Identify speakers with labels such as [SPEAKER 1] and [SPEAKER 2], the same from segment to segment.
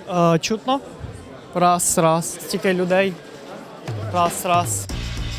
[SPEAKER 1] Чутно. Раз, раз. Стільки людей. Раз, раз.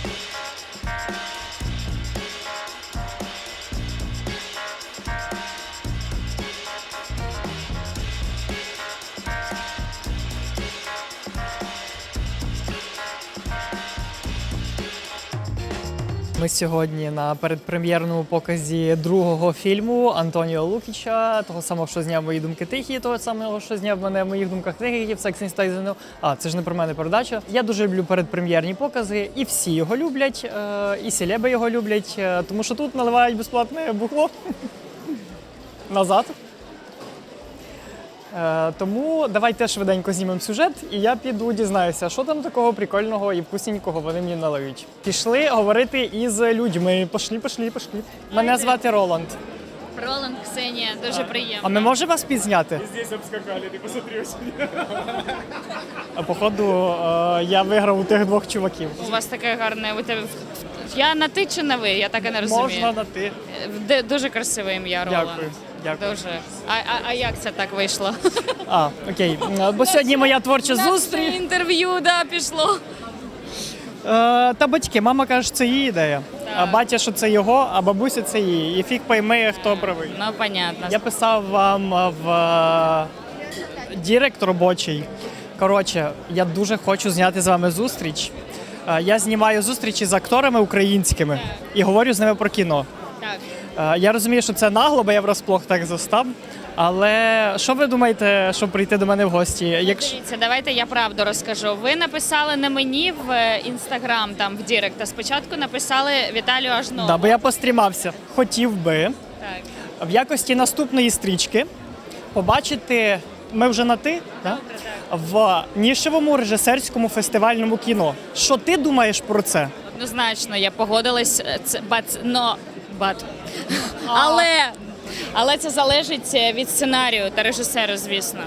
[SPEAKER 1] Ми сьогодні на передпрем'єрному показі другого фільму Антоніо Лукіча, того самого, що зняв «Мої думки тихі», того самого, що зняв мене в «Моїх думках тихих» в «Сексі Стайзену». Це ж не про мене передача. Я дуже люблю передпрем'єрні покази, і всі його люблять, і селеби його люблять, тому що тут наливають безплатне бухло назад. Тому давайте швиденько знімемо сюжет, і я піду дізнаюся, що там такого прикольного і вкусненького вони мені налиють. Пішли говорити із людьми. Пішли. Мене звати Роланд.
[SPEAKER 2] Роланд, Ксенія, дуже приємно.
[SPEAKER 1] А ми можемо вас підзняти?
[SPEAKER 3] Здесь обскакали, ты посмотри.
[SPEAKER 1] Походу, я виграв у тих двох чуваків.
[SPEAKER 2] У вас таке гарне, у тебе... Я на ти чи на ви? Я так і не розумію.
[SPEAKER 1] Можна на ти.
[SPEAKER 2] Дуже красиве ім'я, Роланд.
[SPEAKER 1] Дякую.
[SPEAKER 2] Дуже. А як це так вийшло?
[SPEAKER 1] Окей. Бо сьогодні моя творча зустріч.
[SPEAKER 2] Інтерв'ю, пішло.
[SPEAKER 1] Та батьки, мама каже, що це її ідея. А батя, що це його, а бабуся це її. І фіг пойме, хто правий.
[SPEAKER 2] Ну, понятно.
[SPEAKER 1] Я писав вам в директ робочий. Коротше, я дуже хочу зняти з вами зустріч. Я знімаю зустрічі з акторами українськими і говорю з ними про кіно.
[SPEAKER 2] Так.
[SPEAKER 1] Я розумію, що це нагло, бо я врасплох так застав. Але що ви думаєте, щоб прийти до мене в гості?
[SPEAKER 2] Дивіться, давайте я правду розкажу. Ви написали не мені в Інстаграм, там в Директ, а спочатку написали Віталію Ажнову.
[SPEAKER 1] Да, бо я пострімався. Хотів би
[SPEAKER 2] Так.
[SPEAKER 1] в якості наступної стрічки побачити, ми вже на «ти», да? В нішевому режисерському фестивальному кіно. Що ти думаєш про це?
[SPEAKER 2] Однозначно, я погодилась, але це залежить від сценарію та режисера, звісно.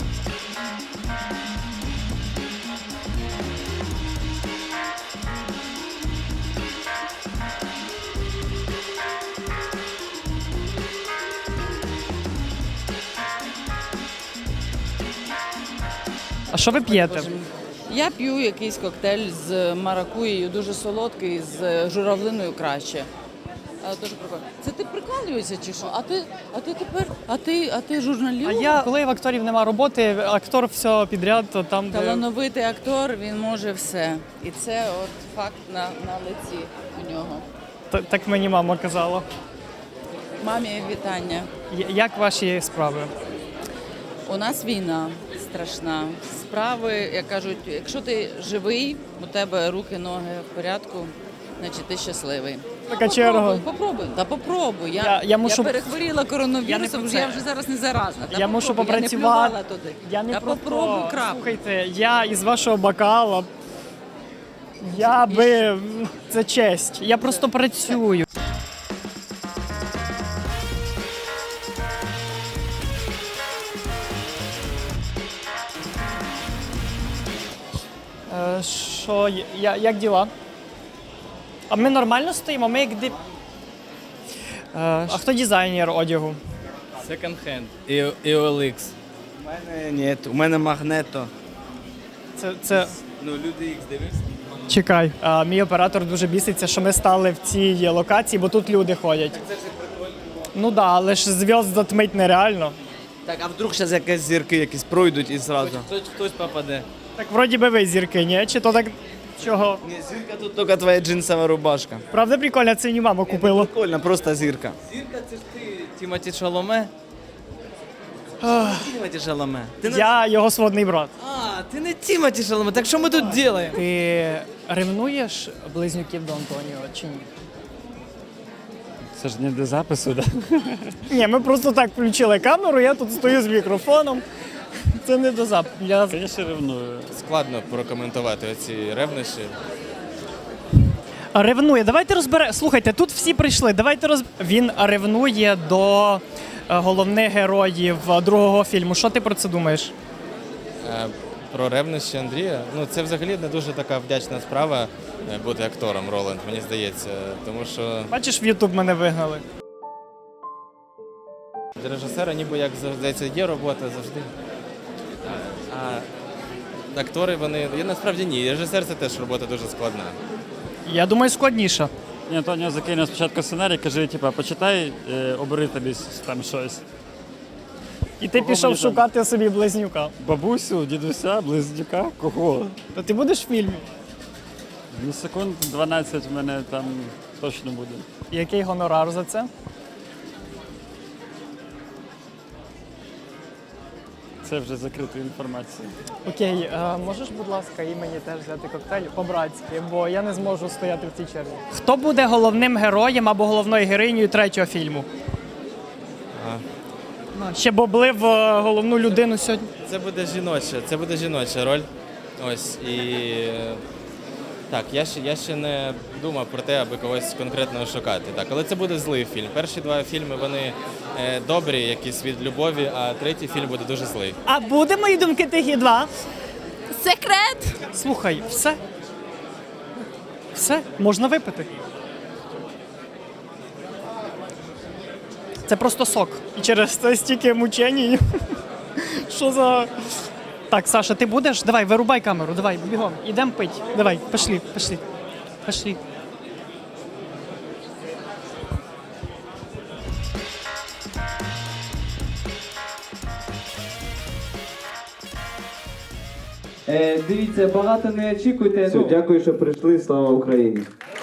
[SPEAKER 1] А що ви п'єте?
[SPEAKER 4] Я п'ю якийсь коктейль з маракуєю, дуже солодкий, з журавлиною краще. Дуже прикольно. Це ти прикалуєшся чи що? А ти журналіст?
[SPEAKER 1] Коли в акторів нема роботи, актор все підряд, то там де...
[SPEAKER 4] Талановитий актор, він може все. І це от факт на лиці у нього.
[SPEAKER 1] Так мені мама казала.
[SPEAKER 4] Мамі вітання.
[SPEAKER 1] Як ваші справи?
[SPEAKER 4] У нас війна страшна. Справи, як кажуть, якщо ти живий, у тебе руки, ноги в порядку, значить ти щасливий.
[SPEAKER 1] Така черга.
[SPEAKER 4] Попробуй.
[SPEAKER 1] Я
[SPEAKER 4] перехворіла коронавірусом, я вже зараз не заразна.
[SPEAKER 1] Я мушу попрацювати.
[SPEAKER 4] Я не плювала туди.
[SPEAKER 1] Я не
[SPEAKER 4] попробуй крапку.
[SPEAKER 1] Слухайте, я із вашого бокала. Це честь. Я просто працюю. Що, як діла? А ми нормально стоїмо? Ми як А хто дизайнер одягу?
[SPEAKER 5] Second hand і OLX.
[SPEAKER 3] У мене ні, у мене Магнето.
[SPEAKER 1] Це...
[SPEAKER 5] Ну, люди їх дивився.
[SPEAKER 1] Чекай, мій оператор дуже біситься, що ми стали в цій локації, бо тут люди ходять.
[SPEAKER 5] Це ж прикольно.
[SPEAKER 1] Ну да, але ж зв'язок затмить нереально.
[SPEAKER 3] Так, а вдруг зараз якісь зірки якісь пройдуть і зразу?
[SPEAKER 5] Хтось попаде.
[SPEAKER 1] Так вроді би ви зірки, ні? Чи то так чого?
[SPEAKER 3] Ні, зірка тут тільки твоя джинсова рубашка.
[SPEAKER 1] Правда прикольно, це мені мама купила.
[SPEAKER 3] Прикольно, просто зірка.
[SPEAKER 5] Зірка, це ж ти, Тімоті Шаломе. Тімоті Шаломе.
[SPEAKER 1] Я його сводний брат.
[SPEAKER 5] Ти не Тімоті Шаломе, так що ми тут робимо?
[SPEAKER 1] Ти ревнуєш близнюків до Антоніо чи ні?
[SPEAKER 6] Це ж не до запису, так?
[SPEAKER 1] Ні, ми просто так включили камеру, я тут стою з мікрофоном. Це не до запису.
[SPEAKER 6] Я ще ревную.
[SPEAKER 5] Складно прокоментувати оці ревнощі.
[SPEAKER 1] Ревнує. Давайте розберемо. Слухайте, тут всі прийшли. Він ревнує до головних героїв другого фільму. Що ти про це думаєш?
[SPEAKER 5] Про ревнощі Андрія. Ну, це взагалі не дуже така вдячна справа бути актором, Роланд, мені здається. Тому що
[SPEAKER 1] Бачиш, в Ютуб мене вигнали.
[SPEAKER 5] для режисера ніби як здається є робота завжди. А актори, вони. Я насправді ні. Режисер це теж робота дуже складна.
[SPEAKER 1] Я думаю, складніше.
[SPEAKER 6] І Антоніо закинув спочатку сценарій, каже, типа, почитай, обери тобі там щось.
[SPEAKER 1] І ти
[SPEAKER 6] Кого
[SPEAKER 1] пішов
[SPEAKER 6] мені там?
[SPEAKER 1] шукати собі близнюка.
[SPEAKER 6] Бабусю, дідуся, близнюка, кого?
[SPEAKER 1] То ти будеш в фільмі?
[SPEAKER 6] Ну, секунд 12 в мене там точно буде.
[SPEAKER 1] Який гонорар за це?
[SPEAKER 6] Це вже закрита інформація.
[SPEAKER 1] Окей, можеш, будь ласка, і мені теж взяти коктейль по-братськи, бо я не зможу стояти в цій черзі. Хто буде головним героєм або головною героїнею третього фільму? Ще боблив головну людину сьогодні.
[SPEAKER 5] Це буде жіноча роль. Ось і так, я ще не думав про те, аби когось конкретного шукати. Так, але це буде злий фільм. Перші два фільми вони добрі, якісь від любові, а третій фільм буде дуже злий.
[SPEAKER 1] А буде мої думки тихі 2?
[SPEAKER 2] Секрет!
[SPEAKER 1] Слухай, все. Все, можна випити. Це просто сок. І через це стільки мучень. Що за. Так, Саша, ти будеш? Давай, вирубай камеру, давай, бігом. Ідемо пить. Давай, пішли. Пішли.
[SPEAKER 7] Дивіться, багато не очікуйте. Дякую, що прийшли. Слава Україні.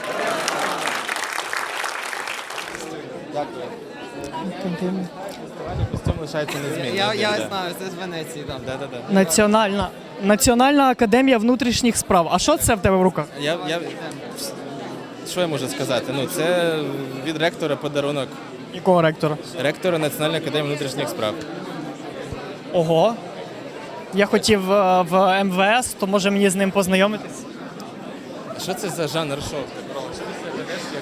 [SPEAKER 5] Костюм лишається незмінним.
[SPEAKER 3] Я знаю, це з Венеції, так.
[SPEAKER 5] Да.
[SPEAKER 1] Національна академія внутрішніх справ. А що це в тебе в руках?
[SPEAKER 5] Що я можу сказати? Ну, це від ректора подарунок.
[SPEAKER 1] Якого ректора?
[SPEAKER 5] Ректора Національної академії внутрішніх справ.
[SPEAKER 1] Ого. Я хотів в МВС, то може мені з ним познайомитись?
[SPEAKER 5] Що це за жанр шоу? Що ти себе ведеш